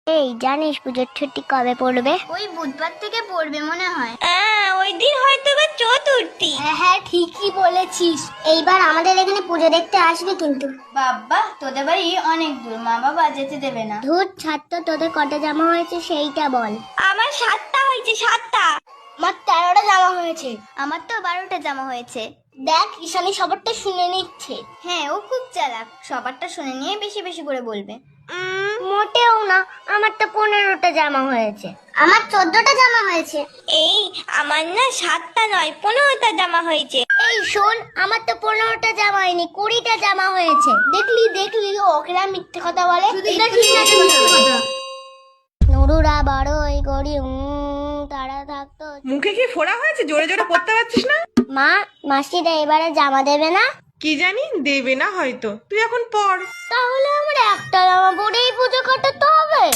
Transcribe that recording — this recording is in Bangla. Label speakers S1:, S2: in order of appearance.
S1: এই জানিস পুজোর ছুটি কবে পড়বে?
S2: ওই বুধবার থেকে পড়বে মনে হয়।
S3: ওই দিন হয়তো বা চতুর্থী।
S1: হ্যাঁ ঠিকই বলেছিস। এইবার আমাদের এখানে পুজো দেখতে আসবি কিন্তু।
S2: বাবা তোদের বাড়ি অনেক দূর, মা বাবা যেতে দেবে না।
S1: ধুর ছাড় তো, তোদের কটা জামা হয়েছে সেইটা বল।
S3: আমার 7টা হয়েছে, 7টা।
S1: আমার 13টা জামা হয়েছে।
S2: আমার তো 12টা জামা হয়েছে।
S1: দেখ ঈশানী সবারটা শুনে নিচ্ছে।
S2: হ্যাঁ ও খুব চালাক, সবারটা শুনে নিয়ে বেশি বেশি করে বলবে।
S1: মোটেও না, আমার তো 15টা জামা হয়েছে। আমার 14টা জামা হয়েছে।
S3: এই আমার না 7টা নয় 15টা জামা হয়েছে।
S1: এই শোন, আমার তো 15টা জামা হয়নি, 20টা জামা হয়েছে। দেখলি দেখলি ওকেরা মিথ্যে কথা বলে। নুরুরা বড়ই গড়ি তারা থাকতো।
S4: মুখে কি ফোড়া হয়েছে? জোরে জোরে পড়তে পারছিস না?
S1: মা, মাসিরা এবারে জামা দেবে না?
S4: কি জানি, দেবে না হয়তো। তুই এখন পড়।
S1: তাহলে আমার একটা জামা পরেই পুজো কাটাতে হবে?